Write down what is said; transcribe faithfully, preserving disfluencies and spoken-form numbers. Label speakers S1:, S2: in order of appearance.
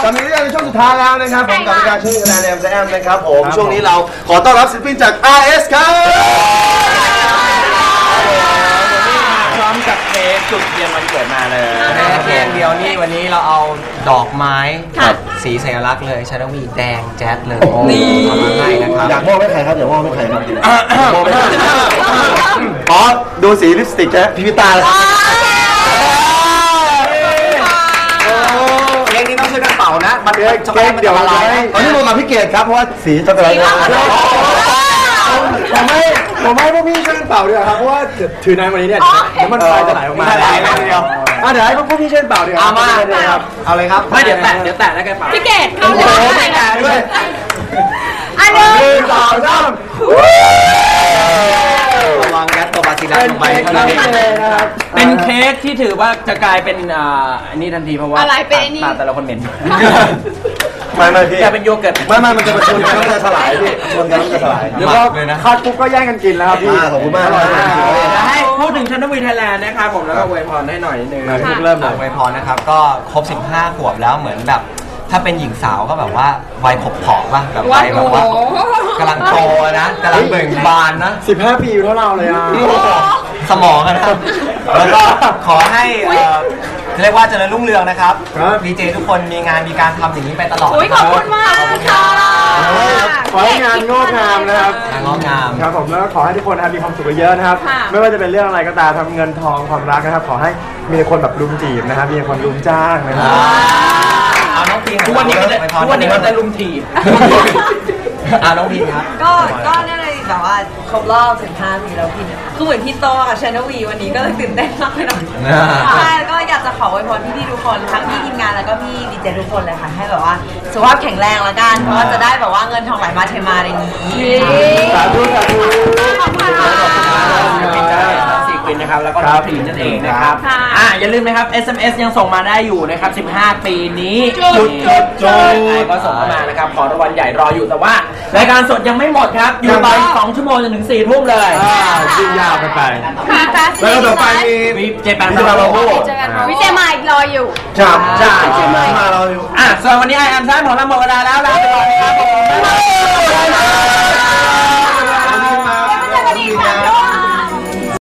S1: ตอนนี้ในช่วงสุดท้ายแล้วนะครับผมกับการช่วยคะแนนแอมแอมนะครับผมช่วงนี้เราขอต้อนรับศิลปินจาก อาร์ เอส ครับ
S2: พร้อมกับเค้กจุดเทียนวันเกิดมาเลย
S3: เพียงเดียวนี่วันนี้เราเอาดอกไม้สีสัญลักษณ์เลยชาดวีแดงแจ๊ดเลยนี่เอามาให้นะครับ
S1: อยากมอบให้ใครครับอยากมอบให้ใครครับมอบให้ใครอ๋อดูสีลิปสติกนะพิพิตาเลย
S3: เค้กนี้ต้องช่วยกันเป่านะมันเค้ก
S1: เดี๋ยวอะไรตอนนี้ลงมาพี่เกดครับเพราะว่าสีช็อกโกแลตผมไม่ผมไม่พวกพี่ช่วยเป่าด้วยครับเพราะว่าถือน้ำวันนี้เนี่ยเดี๋ยวมันไฟจะไหลออกมาไหลเลยเดียวอ่ะเดี๋ยวให้พวกพี่ช่วยเป่าดีกว่า
S3: เอามาครับเอาเลยครับ
S2: ไม่เดี๋ยวแตะเดี๋ยวแตะแล้วกันเป่า
S4: พี่เกดเข้าเลย
S1: แตะด้วย
S4: อันหนึ่ง
S1: สองสาม
S3: ระวังยัดตัวบาซิลัสลงไป
S1: นะครับ
S2: เป็นเค้กที่ถือว่าจะกลายเป็นอ่าอันนี้ทันทีเพราะว่า
S4: อะไรเป็นนี่
S2: ตาแต่ละคนเหม็น
S1: ไม่ไม่พี่
S2: จะเป็นโยเกิร์ต
S1: ไม่ไม่มันจะมาชนกันแล้วจะถลายพี่ชนกันแล้วจะถลาย
S3: เดี๋ยวก็คาดปุ๊บก็แย่งกันกินแล้วครับพี่
S1: ขอบคุณมากเลย
S2: ให้พูดถึงชันนวีไทยแลนด์นะครับผมแล้วก็อวยพรให้หน่อยนิดนึง
S3: เริ่มอวยพรนะครับก็ครบสิบห้าขวบแล้วเหมือนแบบถ้าเป็นหญิงสาวก็แบบว่าวัยขบผอมป่ะแบบวัยแบบว่ากำลังโตนะกำลังเบ่งบานนะ
S1: สิบห้าปีเท่าเราเลยอ่ะ
S3: สมองนะครับแล้วก็ขอให้เรียกว่าเจริญรุ่งเรืองนะครับดีเจทุกคนมีงานมีการทำอย่างนี้ไปตลอด
S4: ขอบคุณมากค่ะ
S1: ขอให้งานงอกงามนะครับ
S3: งอกงาม
S1: ครับผมแล้วก็ขอให้ทุกคนมีความสุขเยอะนะครับไม่ว่าจะเป็นเรื่องอะไรก็ตามทำเงินทองความรักนะครับขอให้มีคนแบบรุมจีบนะครับมีคนรุมจ้างนะครับ
S3: เอาน้องพีน
S2: ทุกวันนี้ก็จะทุกวันนี้ก็จะลุมถีบ
S3: อ่าน้องพีนครับ
S5: ก็ก็เนี่ยเลยแบบว่าครบรอบสิบห้าปีแล้วพี่เนี่ยคือเหมือนพี่โตกับชานวีวันนี้ก็เลยตื่นเต้นมากเลยหน่อยใช่ก็อยากจะขออวยพรพี่ๆทุกคนทั้งพี่ทีมงานแล้วก็พี่ดีเจทุกคนเลยค่ะให้แบบว่าสุขภาพแข็งแรงละกันเพราะว่าจะได้แบบว่าเงินทองไหลมาเทมาในนี้
S1: สาธุสาธุ
S4: ขอบคุณค่ะ
S2: สี่ควินนะครับแล้วก็น้องพีนนั่นเองนะครับอ่าอย่าลืมนะครับ เอส เอ็ม เอส ยังส่งมาได้อยู่นะครับสิบห้าปีนี้
S4: จุดจุดจุด
S2: ก็ส่งเข้ามานะครับขอรางวัลใหญ่รออยู่แต่ว่ารายการสดยังไม่หมดครับอยู่ไปสองชั่วโมงจนถึงสี่ทุ่มเลย
S1: ยิ่งยาวไปไป
S4: แล้ว
S1: ต่อไป
S2: มีเจแปน
S1: มาเราโอ้
S4: วิเจมาอีกรออยู่
S1: จับจับ
S2: เจมาเราอยู่อ่ะส่วนวันนี้ไอแอมซ่าของเราหมดเวลาแล้วลาไปก่อนนะครับผม